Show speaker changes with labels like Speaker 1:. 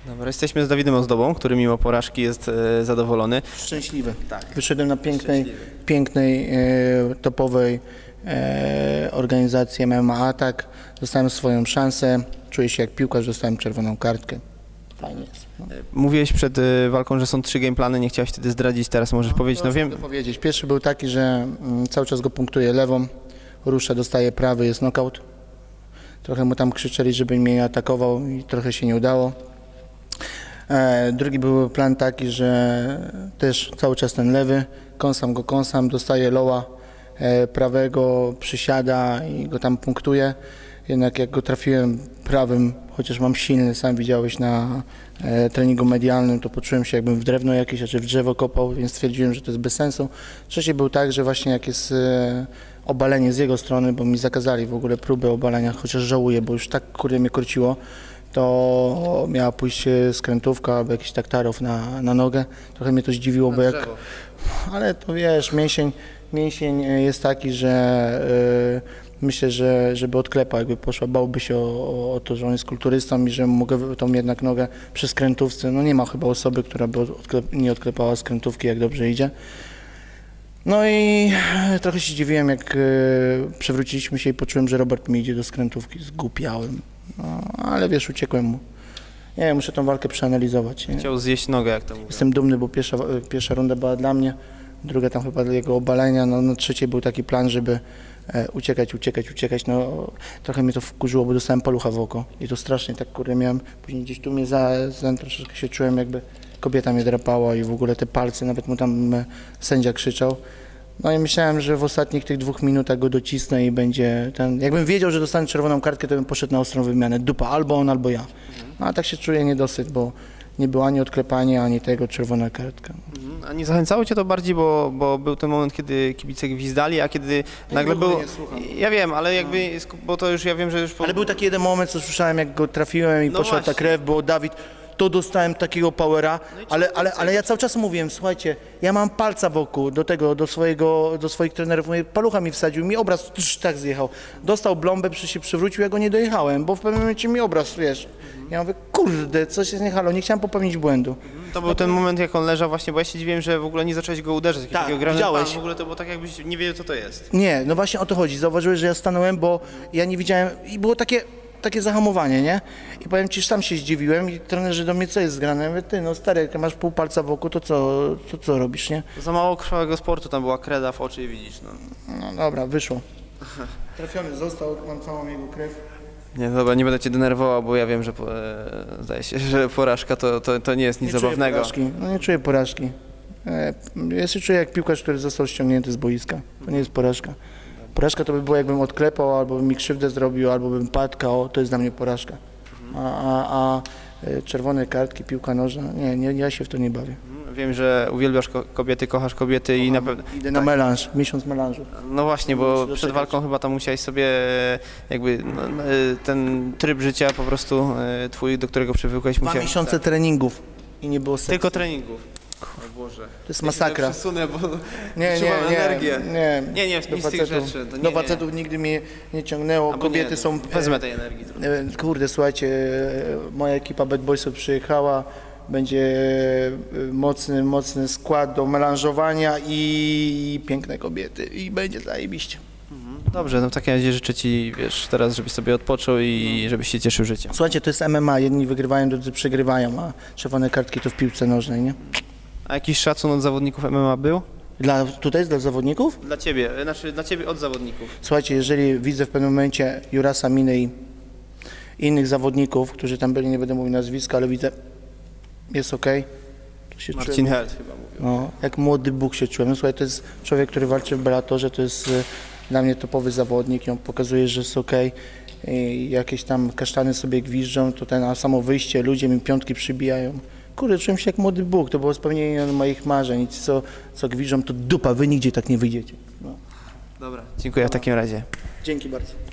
Speaker 1: Dobra, jesteśmy z Dawidem Ozdobą, który mimo porażki jest zadowolony.
Speaker 2: Szczęśliwy.
Speaker 1: Tak.
Speaker 2: Wyszedłem na pięknej, topowej organizacji MMA Atak. Dostałem swoją szansę. Czuję się jak piłkarz, dostałem czerwoną kartkę. Fajnie jest. No.
Speaker 1: Mówiłeś przed walką, że są 3 gameplany, nie chciałeś wtedy zdradzić, teraz możesz powiedzieć. No wiem.
Speaker 2: Mogę powiedzieć. Pierwszy był taki, że cały czas go punktuję lewą, rusza, dostaje prawy, jest knockout. Trochę mu tam krzyczeli, żeby mnie atakował i trochę się nie udało. Drugi był plan taki, że też cały czas ten lewy, kąsam, dostaje loła prawego, przysiada i go tam punktuje. Jednak jak go trafiłem prawym, chociaż mam silny, sam widziałeś na treningu medialnym, to poczułem się jakbym w drewno jakieś, czy w drzewo kopał, więc stwierdziłem, że to jest bez sensu. Trzeci był tak, że właśnie jak jest obalenie z jego strony, bo mi zakazali w ogóle próby obalenia, chociaż żałuję, bo już tak kurde mnie korciło, to miała pójść skrętówka albo jakiś taktarow na nogę. Trochę mnie to zdziwiło, bo jak... Ale to wiesz, mięsień jest taki, że myślę, że żeby odklepał, jakby poszła, bałby się o to, że on jest kulturystą i że mogę tą jednak nogę przy skrętówce. No nie ma chyba osoby, która by nie odklepała skrętówki, jak dobrze idzie. No i trochę się dziwiłem, jak przewróciliśmy się i poczułem, że Robert mi idzie do skrętówki. Zgłupiałem. No, ale wiesz, uciekłem mu. Nie, muszę tą walkę przeanalizować. Nie?
Speaker 1: Chciał zjeść nogę, jak to mówię.
Speaker 2: Jestem dumny, bo pierwsza runda była dla mnie, druga tam chyba dla jego obalenia, no na trzeciej był taki plan, żeby uciekać. No trochę mnie to wkurzyło, bo dostałem palucha w oko i to strasznie tak kurde miałem. Później gdzieś tu mnie troszeczkę się czułem, jakby kobieta mnie drapała i w ogóle te palce, nawet mu tam sędzia krzyczał. No i myślałem, że w ostatnich tych 2 minutach go docisnę i będzie ten... Jakbym wiedział, że dostanę czerwoną kartkę, to bym poszedł na ostrą wymianę. Dupa, albo on, albo ja. No a tak się czuję niedosyt, bo nie było ani odklepania, ani tego, czerwona kartka.
Speaker 1: A nie zachęcało cię to bardziej, bo był ten moment, kiedy kibice gwizdali, a kiedy nagle było... Ja wiem, ale jakby, bo to już ja wiem, że już...
Speaker 2: Ale był taki jeden moment, co słyszałem, jak go trafiłem i
Speaker 1: no
Speaker 2: poszła
Speaker 1: właśnie.
Speaker 2: ta krew, bo Dawid... To dostałem takiego powera, ale ja cały czas mówiłem, słuchajcie, ja mam palca wokół do swoich trenerów, mówię, palucha mi wsadził, mi obraz tak zjechał. Dostał blombę, się przywrócił, ja go nie dojechałem, bo w pewnym momencie mi obraz, wiesz. Ja mówię, kurde, coś jest nie halo, nie chciałem popełnić błędu.
Speaker 1: To był ten moment, jak on leżał właśnie, bo ja się dziwiłem, że w ogóle nie zacząłeś go uderzać.
Speaker 2: Tak, widziałeś.
Speaker 1: W ogóle to było tak, jakbyś nie wiedział, co to jest.
Speaker 2: Nie, no właśnie o to chodzi, zauważyłeś, że ja stanąłem, bo ja nie widziałem i było takie zahamowanie, nie? I powiem ci, że sam się zdziwiłem i trenerzy do mnie, co jest zgrane? Ja mówię, ty, no stary, jak masz pół palca wokół, to co robisz, nie?
Speaker 1: Za mało krwawego sportu, tam była kreda w oczy i widzisz, no.
Speaker 2: No dobra, wyszło. Trafiony został, mam całą jego krew.
Speaker 1: Nie, dobra, nie będę cię denerwował, bo ja wiem, że zdaje się, że porażka to nie jest nic zabawnego.
Speaker 2: No nie czuję porażki. Ja się czuję jak piłkarz, który został ściągnięty z boiska. To nie jest porażka. Porażka to by było, jakbym odklepał, albo bym mi krzywdę zrobił, albo bym padł, to jest dla mnie porażka. A czerwone kartki, piłka nożna, nie, ja się w to nie bawię.
Speaker 1: Wiem, że uwielbiasz kobiety, kochasz kobiety i na pewno...
Speaker 2: Idę na melanż, miesiąc melanżu.
Speaker 1: No właśnie, bo przed walką chyba tam musiałeś sobie jakby ten tryb życia po prostu twój, do którego przywykłeś,
Speaker 2: 2 miesiące treningów i nie było seksu.
Speaker 1: Tylko treningów. O Boże.
Speaker 2: To jest masakra.
Speaker 1: Ja przesunę, bo
Speaker 2: nie,
Speaker 1: energię.
Speaker 2: Nie,
Speaker 1: nic z tych rzeczy.
Speaker 2: Do facetów nigdy mnie nie ciągnęło. Kobiety są...
Speaker 1: Wezmę tej energii.
Speaker 2: Kurde, słuchajcie, moja ekipa Bad Boysów przyjechała, będzie mocny skład do melanżowania i piękne kobiety i będzie zajebiście.
Speaker 1: Dobrze, no w takim razie życzę ci, wiesz, teraz żebyś sobie odpoczął i żebyś się cieszył życiem.
Speaker 2: Słuchajcie, to jest MMA, jedni wygrywają, drudzy przegrywają, a czerwone kartki to w piłce nożnej, nie?
Speaker 1: A jakiś szacun od zawodników MMA był?
Speaker 2: Tutaj dla zawodników?
Speaker 1: Dla ciebie, znaczy dla ciebie od zawodników.
Speaker 2: Słuchajcie, jeżeli widzę w pewnym momencie Jurasa Minę i innych zawodników, którzy tam byli, nie będę mówił nazwiska, ale widzę, jest okej.
Speaker 1: Marcin Held chyba mówił.
Speaker 2: No, jak młody Bóg się czułem. No, słuchaj, to jest człowiek, który walczy w Bellatorze, to jest dla mnie topowy zawodnik, on pokazuje, że jest okej. I jakieś tam kasztany sobie gwiżdżą, to a samo wyjście, ludzie mi piątki przybijają. Kurde, czułem się jak młody Bóg, to było spełnienie moich marzeń. I ci, co gwiżdżą, to dupa, wy nigdzie tak nie wyjdziecie. No.
Speaker 1: Dobra, dziękuję w takim razie.
Speaker 2: Dzięki bardzo.